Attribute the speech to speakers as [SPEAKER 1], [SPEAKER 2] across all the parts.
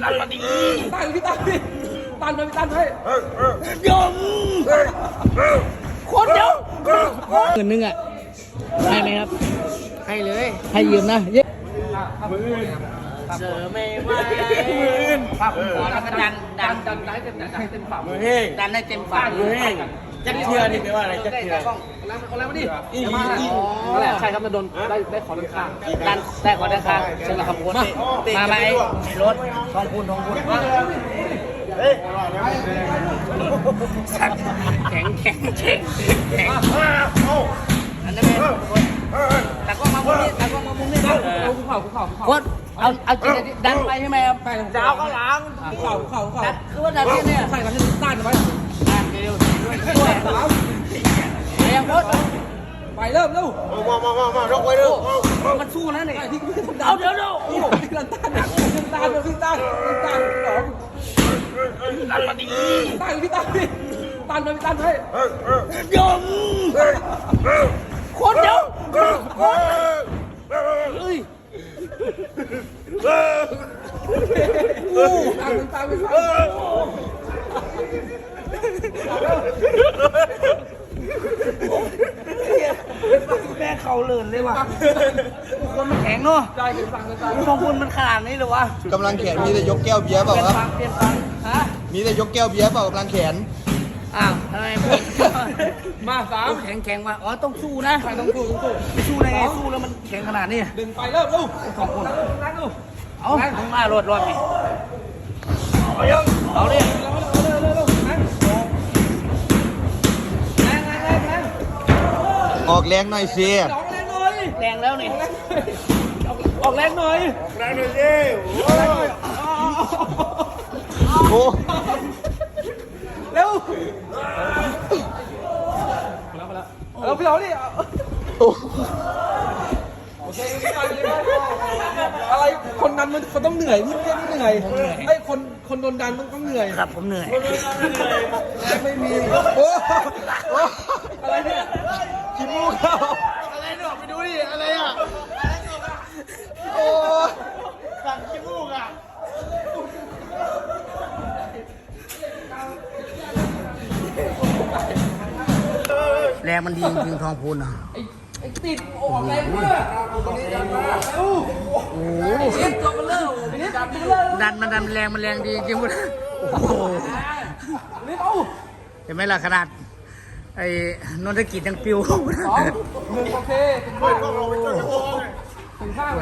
[SPEAKER 1] ตันมาดีตันพี่ตันพี่ตันไปพี่ตันไปยมโคตรเยอะ
[SPEAKER 2] เงินนึงอ่ะให้ไหมครับ
[SPEAKER 3] ให้เลย
[SPEAKER 2] ให้ยืมนะเย้
[SPEAKER 3] เสือไม่ไหวภาพหัวแล้วก็ดันได้เต็มฝั่งมือเฮงดันได้เต็มฝั่งมือเฮงจักเทือนี่แปลว่าอะไรจักเทือ
[SPEAKER 1] แล้วมาดินั่นแหละใช่ครับจะโดนได้ขอด้านข้าง
[SPEAKER 3] ดันได้ขอด้านข้างใช่ไหมครับโค้ชมาไหมรถทองพูนแข็งอันนั้นเป็นแต่ก็มามุมนี้
[SPEAKER 1] คุกเข่า
[SPEAKER 3] โค้ชเอาจริงดันไปใช่ไหมครับ
[SPEAKER 1] จะเอาข้างหลังเข่า
[SPEAKER 3] คือว่าดันเนี่ย
[SPEAKER 1] ใส่กันให้ต้านไว้
[SPEAKER 3] เร็วยังโค้ช
[SPEAKER 1] ไปเริ่มเร็ว
[SPEAKER 3] มาลงไว้เร็วมันสู้นะเนี่ยเอาเดี๋ยว
[SPEAKER 1] พี่ตันต้านสองตันมาดีตันพี่ตันพี่ตันไปพี่ตันไป
[SPEAKER 3] ยม
[SPEAKER 1] โคตรเยอะ
[SPEAKER 3] เฮ้ย
[SPEAKER 1] ตามไป
[SPEAKER 3] แม่เขาเลื่อนเลยว่ะคนมันแข็งเนาะทองพูนมันขนาดนี้เลยวะ
[SPEAKER 4] กำลังแขนมีแต่ยกแก้วเบียร์เปล่าครับ
[SPEAKER 3] เปลี่ยนฟังฮะ
[SPEAKER 4] มีแต่ยกแก้วเบียร์เปล่ากำลังแขน
[SPEAKER 3] อ้าวทำไม
[SPEAKER 1] มาสาม
[SPEAKER 3] แข็งว่ะอ๋อต้องสู้นะ
[SPEAKER 1] ต้องสู้
[SPEAKER 3] ได้ไงสู้แล้วมันแข็งขนาดนี้
[SPEAKER 1] ดึงไปเริ่มลูก
[SPEAKER 3] ทองพูน
[SPEAKER 1] นั่งลูก
[SPEAKER 3] เอาลงมารถไงเอาดิ
[SPEAKER 4] ออกแรงหน่อยสิ
[SPEAKER 3] แรงแล้วนี่
[SPEAKER 1] ออกแรงหน่อยสิ
[SPEAKER 4] โอ้
[SPEAKER 1] เร็วเราพี่เราดิโอเคอะไรคนดันมันต้องเหนื่อยพี่ไม่เหนื่อยไอ้คนโดนดันต้องเหนื่อย
[SPEAKER 3] ครับผมเหนื่อย
[SPEAKER 1] ไม่มีโอ้อะไรเนี่ย
[SPEAKER 4] ขี้มูกเข้า
[SPEAKER 1] อะไรเนี่ยไปดูดิอะไรอ่ะ
[SPEAKER 4] โอ้
[SPEAKER 1] สั่งขี้มูกอ่ะ
[SPEAKER 3] แรงมันดีจริงทองพูนอ่ะ
[SPEAKER 1] ติดออกแรงมากโอ้โห
[SPEAKER 3] ดันแรงดีจริงๆโอ้โหเห็นไหมล่ะขนาดไอ้นนทกิจยังปิว
[SPEAKER 1] 1โอเคถึงข้าง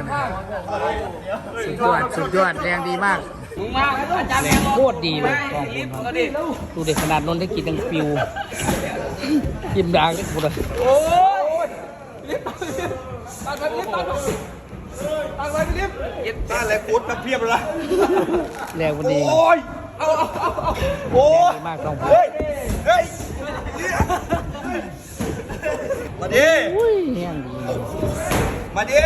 [SPEAKER 3] สุดยอดแรงดีมากแรงโคตรดีเลยทองพูนดูเด็กขนาดนนทกิจยังปิวยิ้มดังเลยพูดเลย
[SPEAKER 1] โอ้ยลิฟต์ตัดไปลิฟต์ตัดไปลิฟต์
[SPEAKER 4] ต้านอะไรกูดมาเพียบเลย
[SPEAKER 3] แรงมันดี
[SPEAKER 1] โอ้ยเอา
[SPEAKER 4] โอ้ย
[SPEAKER 3] มากทองพูน
[SPEAKER 4] เฮ้ยมาดิมาดิ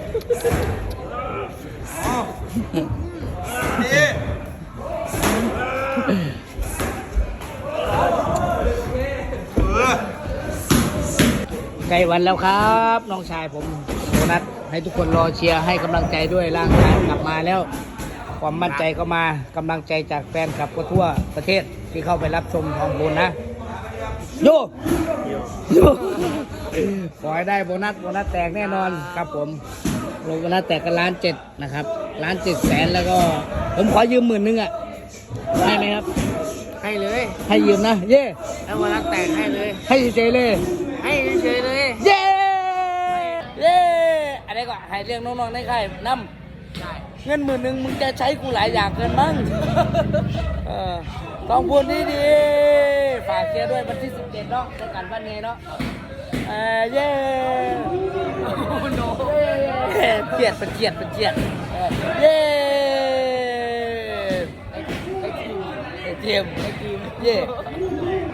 [SPEAKER 3] ใกล้วันแล้วครับน้องชายผมโบนัสให้ทุกคนรอเชียร์ให้กำลังใจด้วยร่างกายกลับมาแล้วความมั่นใจก็มากำลังใจจากแฟนคลับก็ทั่วประเทศที่เข้าไปรับชมทองพูนนะโยขอให้ได้โบนัสแตกแน่นอนครับผมโบนัสแตกกัน1,700,000นะครับ1,700,000แล้วก็ผมขอยืม10,000อ่ะให้ไหมครับให้เลยให้ยืมนะเย่แล้วโบนัสแตกให้เลยให้เฉยเลยให้เฉยเลยเย่อะไรก็ให้เรื่องน้องๆในค่ายน้ำเงิน10,000มึงจะใช้กูหลายอย่างเกินมั้งทองพูนดีฝากเชียร์ด้วยวันที่17เนาะในการบ้านเนเนาะเย่เกียดเป็นเกียดเย่ไอทีมเย่